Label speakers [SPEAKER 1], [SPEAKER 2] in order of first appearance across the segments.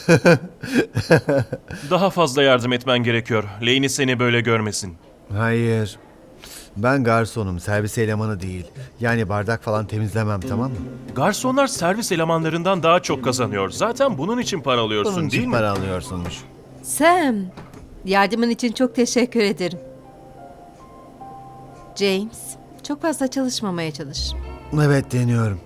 [SPEAKER 1] Daha fazla yardım etmen gerekiyor. Lainey seni böyle görmesin.
[SPEAKER 2] Hayır. Ben garsonum, servis elemanı değil. Yani bardak falan temizlemem, tamam mı?
[SPEAKER 1] Garsonlar servis elemanlarından daha çok kazanıyor. Zaten bunun için para alıyorsun
[SPEAKER 2] Bunun
[SPEAKER 1] değil
[SPEAKER 2] için
[SPEAKER 1] mi?
[SPEAKER 2] para alıyorsunmuş.
[SPEAKER 3] Sam, yardımın için çok teşekkür ederim. James, çok fazla çalışmamaya çalış.
[SPEAKER 2] Evet, deniyorum.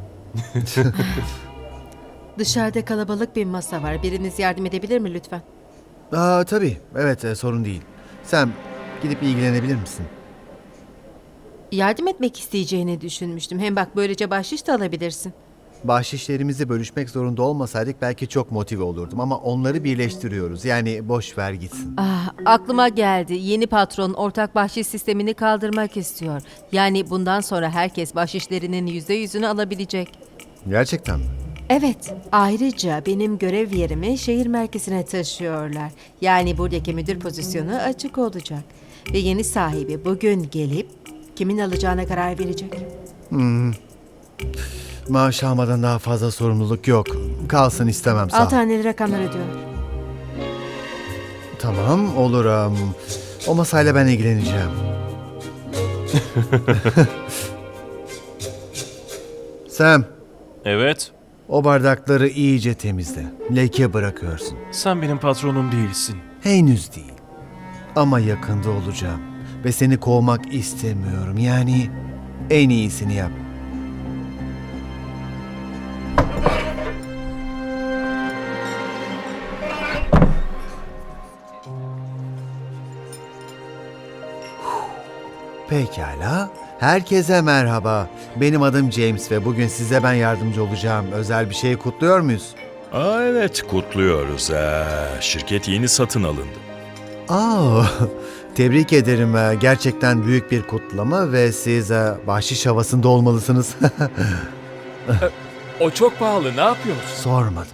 [SPEAKER 3] Dışarıda kalabalık bir masa var. Biriniz yardım edebilir mi lütfen?
[SPEAKER 2] Tabii. Evet, sorun değil. Sen gidip ilgilenebilir misin?
[SPEAKER 3] Yardım etmek isteyeceğini düşünmüştüm. Hem bak böylece bahşiş de alabilirsin.
[SPEAKER 2] Bahşişlerimizi bölüşmek zorunda olmasaydık belki çok motive olurdum ama onları birleştiriyoruz. Yani boş ver gitsin.
[SPEAKER 3] Aklıma geldi. Yeni patron ortak bahşiş sistemini kaldırmak istiyor. Yani bundan sonra herkes bahşişlerinin %100'ünü alabilecek.
[SPEAKER 2] Gerçekten mi?
[SPEAKER 3] Evet, ayrıca benim görev yerimi şehir merkezine taşıyorlar. Yani buradaki müdür pozisyonu açık olacak. Ve yeni sahibi bugün gelip kimin alacağına karar verecek.
[SPEAKER 2] Maaş almadan daha fazla sorumluluk yok. Kalsın istemem, sağ ol.
[SPEAKER 3] 6 haneli rakamlar ödüyor.
[SPEAKER 2] Tamam, olur. O masayla ben ilgileneceğim. Sam,
[SPEAKER 1] Evet.
[SPEAKER 2] o bardakları iyice temizle. Leke bırakıyorsun.
[SPEAKER 1] Sen benim patronum değilsin.
[SPEAKER 2] Henüz değil. Ama yakında olacağım. Ve seni kovmak istemiyorum. Yani en iyisini yap. Pekala. Herkese merhaba. Benim adım James ve bugün size ben yardımcı olacağım. Özel bir şey kutluyor muyuz?
[SPEAKER 4] Evet, kutluyoruz. Şirket yeni satın alındı.
[SPEAKER 2] Tebrik ederim. Gerçekten büyük bir kutlama ve siz bahşiş havasında olmalısınız.
[SPEAKER 5] O çok pahalı, ne yapıyorsun?
[SPEAKER 2] Sormadım.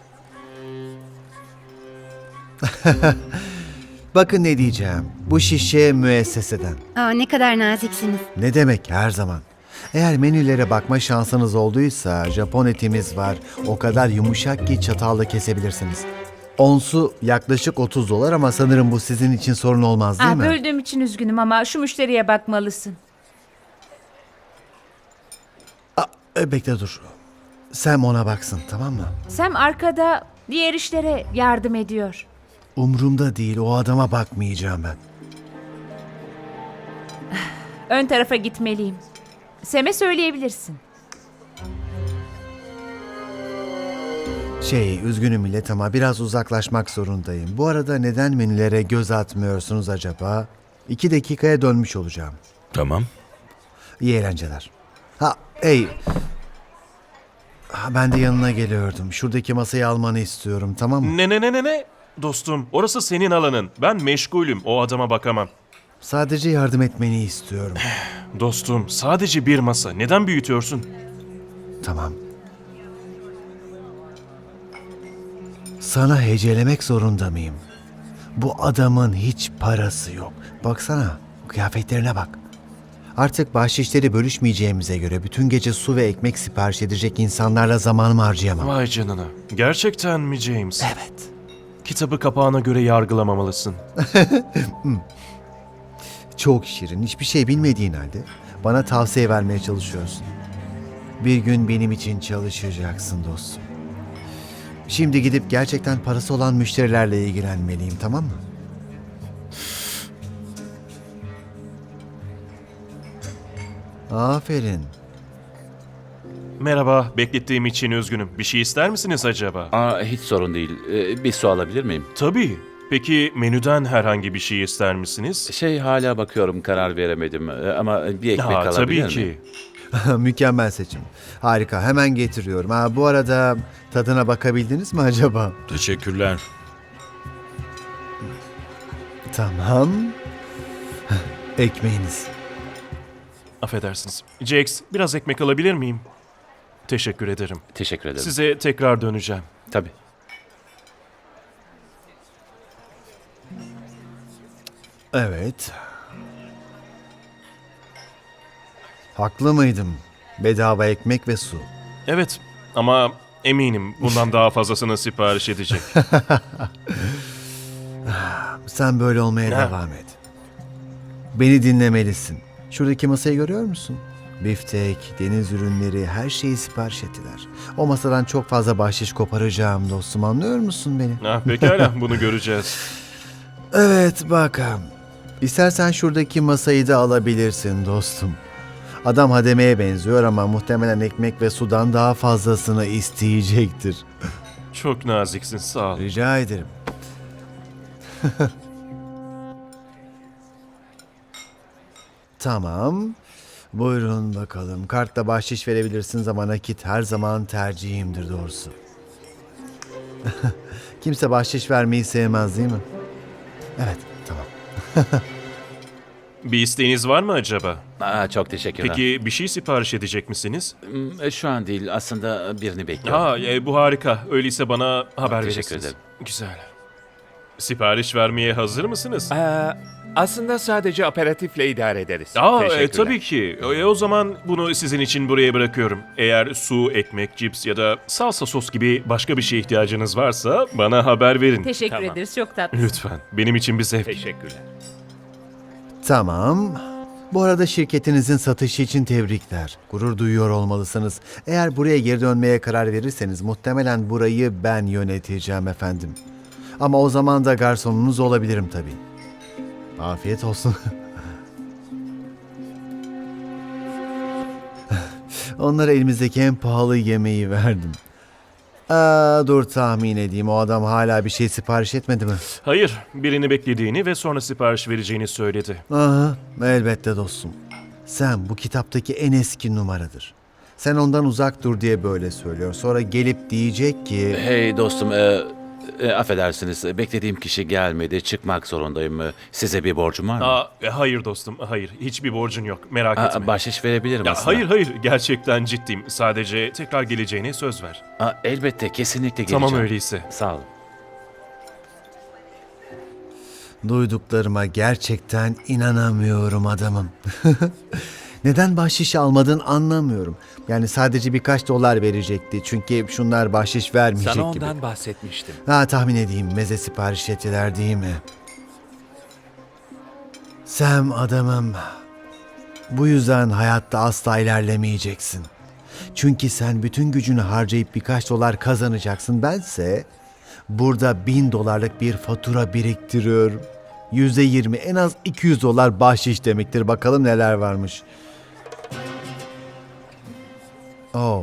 [SPEAKER 2] Bakın ne diyeceğim. Bu şişe müesseseden.
[SPEAKER 6] Ne kadar naziksiniz.
[SPEAKER 2] Ne demek, her zaman. Eğer menülere bakma şansınız olduysa Japon etimiz var. O kadar yumuşak ki çatalla kesebilirsiniz. Onsu yaklaşık $30 ama sanırım bu sizin için sorun olmaz değil mi?
[SPEAKER 7] Böldüğüm için üzgünüm ama şu müşteriye bakmalısın.
[SPEAKER 2] Bekle dur. Sam ona baksın, tamam mı?
[SPEAKER 7] Sam arkada diğer işlere yardım ediyor.
[SPEAKER 2] Umrumda değil, o adama bakmayacağım ben.
[SPEAKER 7] Ön tarafa gitmeliyim. Sam'e söyleyebilirsin.
[SPEAKER 2] Üzgünüm millet ama biraz uzaklaşmak zorundayım. Bu arada neden menülere göz atmıyorsunuz acaba? 2 dakikaya dönmüş olacağım.
[SPEAKER 4] Tamam.
[SPEAKER 2] İyi eğlenceler. Ben de yanına geliyordum. Şuradaki masayı almanı istiyorum, tamam mı?
[SPEAKER 1] Ne? Dostum, orası senin alanın. Ben meşgulüm. O adama bakamam.
[SPEAKER 2] Sadece yardım etmeni istiyorum.
[SPEAKER 1] Dostum, sadece bir masa. Neden büyütüyorsun?
[SPEAKER 2] Tamam. Sana hecelemek zorunda mıyım? Bu adamın hiç parası yok. Baksana, kıyafetlerine bak. Artık bahşişleri bölüşmeyeceğimize göre bütün gece su ve ekmek sipariş edecek insanlarla zamanımı harcayamam.
[SPEAKER 1] Vay canına. Gerçekten mi James?
[SPEAKER 2] Evet.
[SPEAKER 1] Kitabı kapağına göre yargılamamalısın.
[SPEAKER 2] Çok şirin, hiçbir şey bilmediğin halde bana tavsiye vermeye çalışıyorsun. Bir gün benim için çalışacaksın dostum. Şimdi gidip gerçekten parası olan müşterilerle ilgilenmeliyim, tamam mı? Aferin.
[SPEAKER 1] Merhaba, beklettiğim için üzgünüm. Bir şey ister misiniz acaba?
[SPEAKER 5] Hiç sorun değil. Bir su alabilir miyim?
[SPEAKER 1] Tabii. Peki menüden herhangi bir şey ister misiniz?
[SPEAKER 5] Hala bakıyorum, karar veremedim. Ama bir ekmek alabilir
[SPEAKER 1] Tabii
[SPEAKER 5] miyim?
[SPEAKER 1] ki.
[SPEAKER 2] Mükemmel seçim. Harika, hemen getiriyorum. Bu arada tadına bakabildiniz mi acaba?
[SPEAKER 4] Teşekkürler.
[SPEAKER 2] Tamam. Ekmeğiniz.
[SPEAKER 1] Affedersiniz. Jax, biraz ekmek alabilir miyim? Teşekkür ederim.
[SPEAKER 5] Teşekkür ederim.
[SPEAKER 1] Size tekrar döneceğim.
[SPEAKER 5] Tabii.
[SPEAKER 2] Evet. Haklı mıydım? Bedava ekmek ve su.
[SPEAKER 1] Evet ama Eminim bundan daha fazlasını sipariş edecek.
[SPEAKER 2] Sen böyle olmaya
[SPEAKER 1] Ha.
[SPEAKER 2] devam et. Beni dinlemelisin. Şuradaki masayı görüyor musun? Biftek, deniz ürünleri, her şeyi sipariş ettiler. O masadan çok fazla bahşiş koparacağım dostum, anlıyor musun beni?
[SPEAKER 1] Pekala, bunu göreceğiz.
[SPEAKER 2] Evet bakalım. İstersen şuradaki masayı da alabilirsin dostum. Adam hademeye benziyor ama muhtemelen ekmek ve sudan daha fazlasını isteyecektir.
[SPEAKER 1] Çok naziksin, sağ ol.
[SPEAKER 2] Rica ederim. Tamam. Buyurun bakalım. Kartla bahşiş verebilirsiniz ama nakit her zaman tercihimdir doğrusu. Kimse bahşiş vermeyi sevmez değil mi? Evet, tamam.
[SPEAKER 1] Bir isteğiniz var mı acaba?
[SPEAKER 5] Çok teşekkürler.
[SPEAKER 1] Peki bir şey sipariş edecek misiniz?
[SPEAKER 5] Şu an değil, aslında birini bekliyorum.
[SPEAKER 1] Bu harika. Öyleyse bana haber
[SPEAKER 5] Teşekkür
[SPEAKER 1] verirsiniz.
[SPEAKER 5] ederim.
[SPEAKER 1] Güzel. Sipariş vermeye hazır mısınız?
[SPEAKER 8] Aslında sadece aperatifle idare ederiz. Teşekkürler.
[SPEAKER 1] Tabii ki. O zaman bunu sizin için buraya bırakıyorum. Eğer su, ekmek, cips ya da salsa sos gibi başka bir şeye ihtiyacınız varsa bana haber verin.
[SPEAKER 7] Teşekkür
[SPEAKER 8] Tamam.
[SPEAKER 7] ederiz. Çok tatlı.
[SPEAKER 1] Lütfen. Benim için bir zevk.
[SPEAKER 8] Teşekkürler.
[SPEAKER 2] Tamam. Bu arada şirketinizin satışı için tebrikler. Gurur duyuyor olmalısınız. Eğer buraya geri dönmeye karar verirseniz muhtemelen burayı ben yöneteceğim efendim. Ama o zaman da garsonunuz olabilirim tabii. Afiyet olsun. Onlara elimizdeki en pahalı yemeği verdim. Dur tahmin edeyim. O adam hala bir şey sipariş etmedi mi?
[SPEAKER 1] Hayır, birini beklediğini ve sonra sipariş vereceğini söyledi.
[SPEAKER 2] Aha, elbette dostum. Sen bu kitaptaki en eski numaradır. Sen ondan uzak dur diye böyle söylüyor. Sonra gelip diyecek ki...
[SPEAKER 5] Hey dostum, affedersiniz. Beklediğim kişi gelmedi. Çıkmak zorundayım. Size bir borcum var mı?
[SPEAKER 1] Hayır dostum, hayır. Hiçbir borcun yok. Merak etme.
[SPEAKER 5] Bahşiş verebilirim aslında.
[SPEAKER 1] Hayır, gerçekten ciddiyim. Sadece tekrar geleceğine söz ver.
[SPEAKER 5] Elbette, kesinlikle geleceğim.
[SPEAKER 1] Tamam öyleyse.
[SPEAKER 5] Sağ olun.
[SPEAKER 2] Duyduklarıma gerçekten inanamıyorum adamım. Neden bahşiş almadın anlamıyorum. Yani sadece birkaç dolar verecekti. Çünkü şunlar bahşiş vermeyecek
[SPEAKER 8] Sana
[SPEAKER 2] gibi.
[SPEAKER 8] ondan bahsetmiştim.
[SPEAKER 2] Tahmin edeyim meze sipariş ettiler değil mi? Sam adamım. Bu yüzden hayatta asla ilerlemeyeceksin. Çünkü sen bütün gücünü harcayıp birkaç dolar kazanacaksın. Bense burada 1000 dolarlık bir fatura biriktiriyorum. %20 en az 200 dolar bahşiş demektir. Bakalım neler varmış. Oh.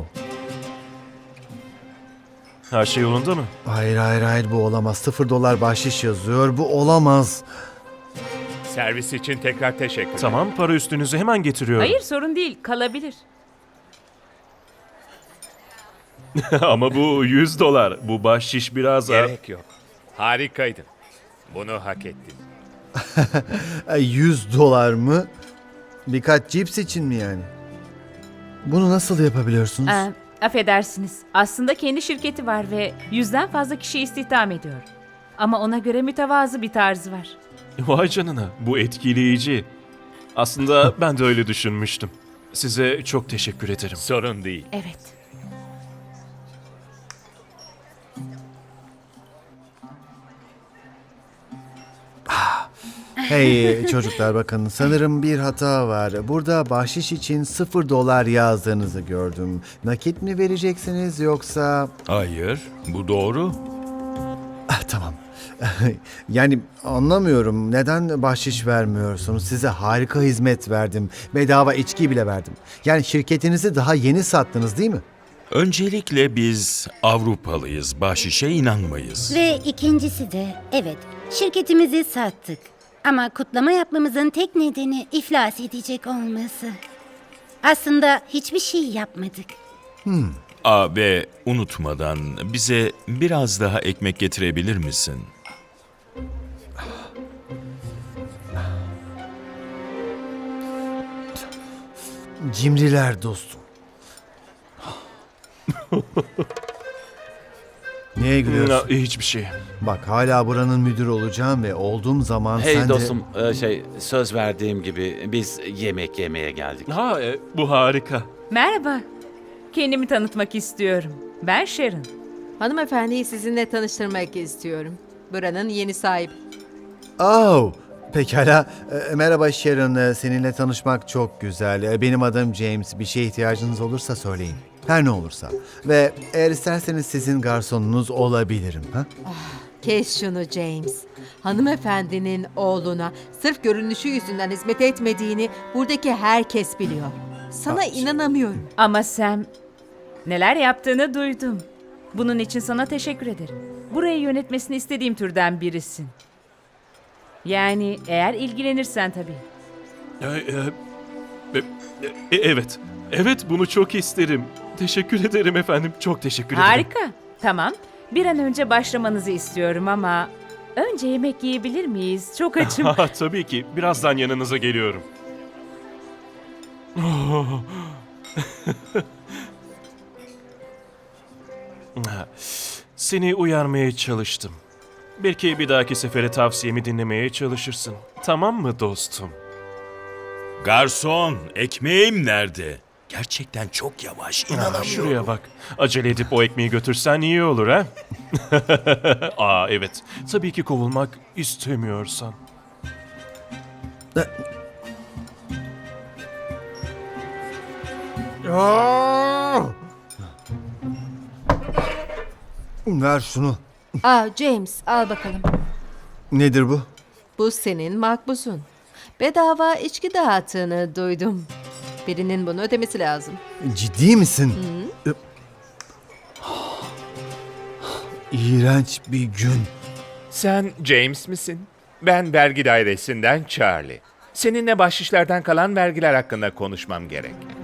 [SPEAKER 1] Her şey yolunda mı?
[SPEAKER 2] Hayır bu olamaz. 0 dolar bahşiş yazıyor. Bu olamaz.
[SPEAKER 8] Servis için tekrar teşekkürler.
[SPEAKER 1] Tamam, para üstünüzü hemen getiriyorum.
[SPEAKER 7] Hayır, sorun değil. Kalabilir.
[SPEAKER 1] Ama bu 100 dolar. Bu bahşiş biraz...
[SPEAKER 8] Gerek yok. Harikaydın. Bunu hak ettin.
[SPEAKER 2] 100 dolar mı? Birkaç cips için mi yani? Bunu nasıl yapabiliyorsunuz?
[SPEAKER 7] Affedersiniz. Aslında kendi şirketi var ve 100'den fazla kişi istihdam ediyor. Ama ona göre mütevazı bir tarzı var.
[SPEAKER 1] Vay canına, bu etkileyici. Aslında ben de öyle düşünmüştüm. Size çok teşekkür ederim.
[SPEAKER 8] Sorun değil.
[SPEAKER 7] Evet.
[SPEAKER 2] Hey çocuklar bakın sanırım bir hata var. Burada bahşiş için 0 dolar yazdığınızı gördüm. Nakit mi vereceksiniz yoksa...
[SPEAKER 4] Hayır, bu doğru.
[SPEAKER 2] Tamam. Yani anlamıyorum. Neden bahşiş vermiyorsunuz? Size harika hizmet verdim. Bedava içki bile verdim. Yani şirketinizi daha yeni sattınız değil mi?
[SPEAKER 4] Öncelikle biz Avrupalıyız, bahşişe inanmayız.
[SPEAKER 6] Ve ikincisi de evet, şirketimizi sattık. Ama kutlama yapmamızın tek nedeni iflas edecek olması. Aslında hiçbir şey yapmadık.
[SPEAKER 4] Ve unutmadan bize biraz daha ekmek getirebilir misin?
[SPEAKER 2] Cimriler dostum. Neye gülüyorsun?
[SPEAKER 1] Hiçbir şey.
[SPEAKER 2] Bak hala buranın müdürü olacağım ve olduğum zaman
[SPEAKER 5] Hey
[SPEAKER 2] sen
[SPEAKER 5] dostum, söz verdiğim gibi biz yemek yemeye geldik.
[SPEAKER 1] Bu harika.
[SPEAKER 7] Merhaba. kendimi tanıtmak istiyorum. Ben Sharon.
[SPEAKER 3] Hanımefendiyi sizinle tanıştırmak istiyorum. Buranın yeni sahibi.
[SPEAKER 2] Oh, pekala. Merhaba Sharon, seninle tanışmak çok güzel. Benim adım James. Bir şeye ihtiyacınız olursa söyleyin. Her ne olursa. Ve eğer isterseniz sizin garsonunuz olabilirim. Ha?
[SPEAKER 3] Kes şunu James. Hanımefendinin oğluna sırf görünüşü yüzünden hizmet etmediğini buradaki herkes biliyor. Sana inanamıyorum.
[SPEAKER 7] Ama Sam, neler yaptığını duydum. Bunun için sana teşekkür ederim. Burayı yönetmesini istediğim türden birisin. Yani eğer ilgilenirsen tabii.
[SPEAKER 1] Evet. Evet, bunu çok isterim. Teşekkür ederim efendim. Çok teşekkür ederim.
[SPEAKER 7] Harika. Tamam. Bir an önce başlamanızı istiyorum ama önce yemek yiyebilir miyiz? Çok açım.
[SPEAKER 1] Tabii ki. Birazdan yanınıza geliyorum. Seni uyarmaya çalıştım. Belki bir dahaki sefere tavsiyemi dinlemeye çalışırsın. Tamam mı dostum?
[SPEAKER 4] Garson, ekmeğim nerede? Gerçekten çok yavaş, inanamıyorum.
[SPEAKER 1] Şuraya bak. Acele edip o ekmeği götürsen iyi olur ha? Evet. Tabii ki kovulmak istemiyorsan.
[SPEAKER 2] Ver şunu.
[SPEAKER 3] James al bakalım.
[SPEAKER 2] Nedir bu?
[SPEAKER 3] Bu senin makbuzun. Bedava içki dağıttığını duydum. Birinin bunu ödemesi lazım.
[SPEAKER 2] Ciddi misin? İğrenç bir gün.
[SPEAKER 8] Sen James misin? Ben vergi dairesinden Charlie. Seninle bahşişlerden kalan vergiler hakkında konuşmam gerek.